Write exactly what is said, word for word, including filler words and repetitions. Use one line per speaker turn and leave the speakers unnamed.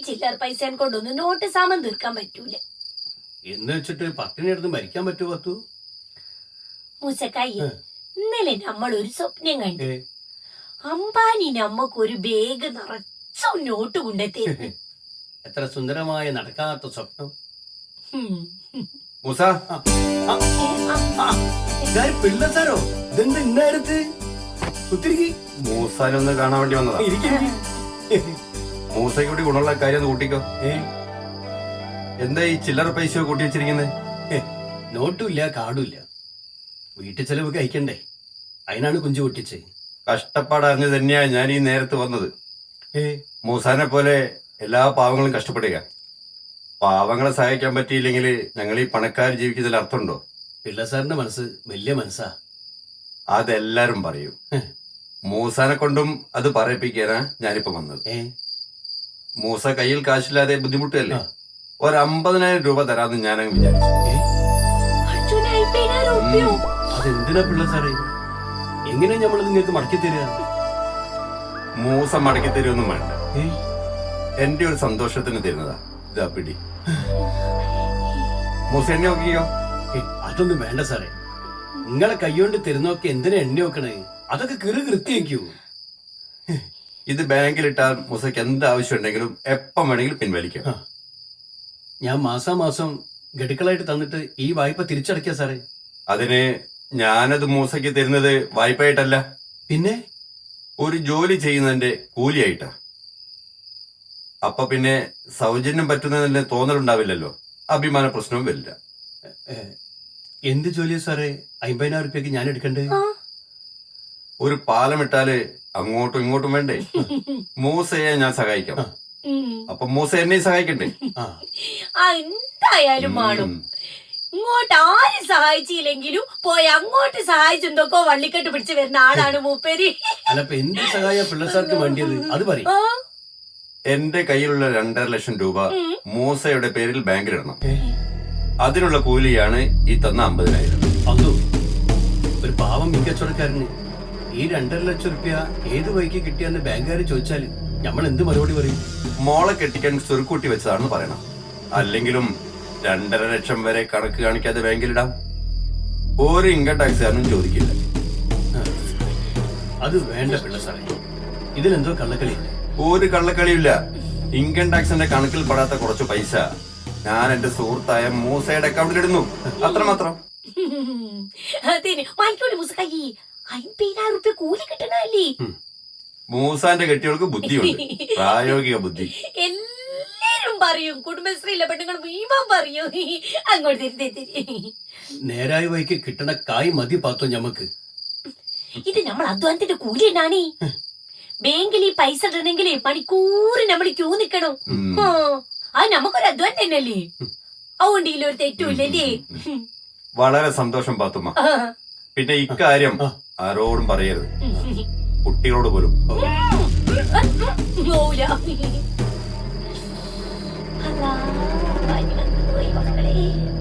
ചില്ലറ പൈസ കൊണ്ടൊന്നും നോട്ട് സാമാൻ തീർക്കാൻ പറ്റൂല.
എന്ന് വെച്ചിട്ട് പട്ടിണി എടുത്ത് മരിക്കാൻ പറ്റുമോ പത്തു?
മൂസക്കായി, ഇന്നലെ നമ്മൾ ഒരു സ്വപ്നം കണ്ടു. അംബാനി നമ്മക്ക് ഒരു ബാഗ് നിറച്ചു നോട്ട് കൊണ്ടെത്തി.
എത്ര സുന്ദരമായ നടക്കാത്ത സ്വപ്നം.
മൂസ,
പിള്ള സാരോ ഇതെന്താ ഇന്നേരത്ത്? ഒത്തിരി
മൂസാനൊന്ന് കാണാൻ വേണ്ടി വന്നതാ. മൂസയ്ക്ക് കൂടി ഗുണമുള്ള കാര്യം ഒന്ന് കൂട്ടിക്കോ. എന്താ ഈ ചില്ലറ പൈസ കൂട്ടി വെച്ചിരിക്കുന്നത്?
നോട്ടും ഇല്ല, കാർഡും ഇല്ല. വീട്ടിൽ ചെലവ് കഴിക്കണ്ടേ, അതിനാണ് കുഞ്ചു പൊട്ടിച്ച്.
കഷ്ടപ്പാടറിഞ്ഞു തന്നെയാ ഞാൻ ഈ നേരത്ത് വന്നത്. മൂസാനെ പോലെ എല്ലാ പാവങ്ങളും കഷ്ടപ്പെടുക. പാവങ്ങളെ സഹായിക്കാൻ പറ്റിയില്ലെങ്കിൽ ഞങ്ങൾ ഈ പണക്കാർ ജീവിക്കുന്നതിൽ അർത്ഥമുണ്ടോ?
പിള്ള സാറിന്റെ മനസ്സ് വലിയ മനസ്സാ.
അതെല്ലാരും പറയും. മൂസാനെ കൊണ്ടും അത് പറയിപ്പിക്കാനാ ഞാനിപ്പോ വന്നത്. മൂസ കയ്യിൽ കാശില്ലാതെ ബുദ്ധിമുട്ടല്ലേ, ഒരു അമ്പതിനായിരം രൂപ തരാന്ന് ഞാനങ്ങ് വിചാരിച്ചു.
അതെന്തിനാ പിള്ള സാറേ? എങ്ങനെ നമ്മൾ നിങ്ങൾക്ക് മടക്കി തരിക?
മൂസ മടക്കി തരുമൊന്നും വേണ്ട, എന്റെ ഒരു സന്തോഷത്തിന് തരുന്നതാ. ഇതാ പിടി. മൂസ എണ്ണ നോക്കിയോ?
അതൊന്നും വേണ്ട സാറേ. നിങ്ങളെ കൈകൊണ്ട് തരുന്നൊക്കെ എന്തിനാ എണ്ണ നോക്കണേ? അതൊക്കെ കീറി കൃത്യക്കൂ.
ഇത് ബാങ്കിലിട്ടാൽ മൂസയ്ക്ക് എന്ത് ആവശ്യം ഉണ്ടെങ്കിലും എപ്പം വേണമെങ്കിലും പിൻവലിക്കാം.
ഞാൻ മാസാമാസം ഗഡുക്കളായിട്ട് തന്നിട്ട് ഈ വായ്പ തിരിച്ചടയ്ക്കാ സാറേ.
അതിന് ഞാനത് മൂസയ്ക്ക് തരുന്നത് വായ്പയായിട്ടല്ല,
പിന്നെ
ഒരു ജോലി ചെയ്യുന്നതിന്റെ കൂലിയായിട്ടാ. അപ്പൊ പിന്നെ സൗജന്യം പറ്റുന്നതിന് തോന്നലുണ്ടാവില്ലല്ലോ, അഭിമാന പ്രശ്നവും വരില്ല.
എന്ത് ജോലിയാ സാറേ അമ്പതിനായിരം റുപ്യക്ക് ഞാൻ എടുക്കണ്ടേ?
ഒരു പാലമിട്ടാല് അങ്ങോട്ടും ഇങ്ങോട്ടും വേണ്ടേ? മൂസയെ ഞാൻ സഹായിക്കാം, അപ്പൊ മൂസ എന്നെ സഹായിക്കണ്ടേ?
എന്തായാലും മാടും. ഇങ്ങോട്ട് ആരും സഹായിച്ചില്ലെങ്കിലും പോയി അങ്ങോട്ട് സഹായിച്ചെന്തൊക്കെ വള്ളിക്കെട്ട് പിടിച്ച് വരുന്ന ആളാണ് മൂപ്പേരി.
അല്ലപ്പ എന്ത് സഹായ പിള്ള സാർക്ക് വേണ്ടിയത് അത് പറയും.
എന്റെ കയ്യിലുള്ള രണ്ടര ലക്ഷം രൂപ മൂസയുടെ പേരിൽ ബാങ്കിലിടണം. അതിനുള്ള കൂലിയാണ് ഈ തന്ന അമ്പതിനായിരം.
അതോ ഒരു പാവം മികച്ചവടക്കാരന് ഈ രണ്ടര ലക്ഷം റുപ്യ ഏത് വഴിക്ക് കിട്ടിയെന്ന് ബാങ്കുകാർ ചോദിച്ചാല് നമ്മൾ എന്ത് മറുപടി പറയും?
മോളെ കെട്ടിക്കാൻ സ്വരുക്കൂട്ടി വെച്ചതാണെന്ന് പറയണം. അല്ലെങ്കിലും രണ്ടര ലക്ഷം വരെ കണക്ക് കാണിക്കാതെ ബാങ്കിലിടാം. ഒരു ഇൻകം ടാക്സുകാരനും ചോദിക്കില്ല.
അത് വേണ്ട പിള്ള സാറേ, ഇതിലെന്തോ കള്ളക്കളിയില്ല.
ഒരു കള്ളക്കളിയില്ല. ഇൻകം ടാക്സിന്റെ കണക്കിൽ പെടാത്ത കുറച്ച് പൈസ ഞാൻ എന്റെ സുഹൃത്തായ മൂസയുടെ അക്കൗണ്ടിൽ ഇടുന്നു, അത്രമാത്രം.
കൂലി കിട്ടണല്ലേ?
മൂസാന്റെ കെട്ടികൾക്ക് ബുദ്ധിയുണ്ട്, പ്രായോഗിക ബുദ്ധി.
എല്ലാരും പറയും, കുടുംബശ്രീയിലെ പെണ്ണുങ്ങൾ മുഴുവൻ പറയും. അങ്ങോട്ട്
നേരായ വഴിക്ക് കിട്ടണ കായ് മതി പാത്തോ ഞമ്മക്ക്.
ഇത് നമ്മൾ അധ്വാനത്തിന്റെ കൂലി തന്നെയാണ്. ബാങ്കിൽ ഈ പൈസ ഇടണമെങ്കിൽ മണിക്കൂർ നമ്മൾ ക്യൂ നിക്കണം. അത് നമുക്കൊരു അധ്വാനം തന്നെയല്ലേ? അതുകൊണ്ട് ഇതിലൊരു തെറ്റുമില്ലല്ലേ?
വളരെ സന്തോഷം പാത്തുമ്മ. പിന്നെ ഇക്കാര്യം ആരോടും പറയരുത്, കുട്ടികളോട് പോലും.
പോയി മക്കളെ.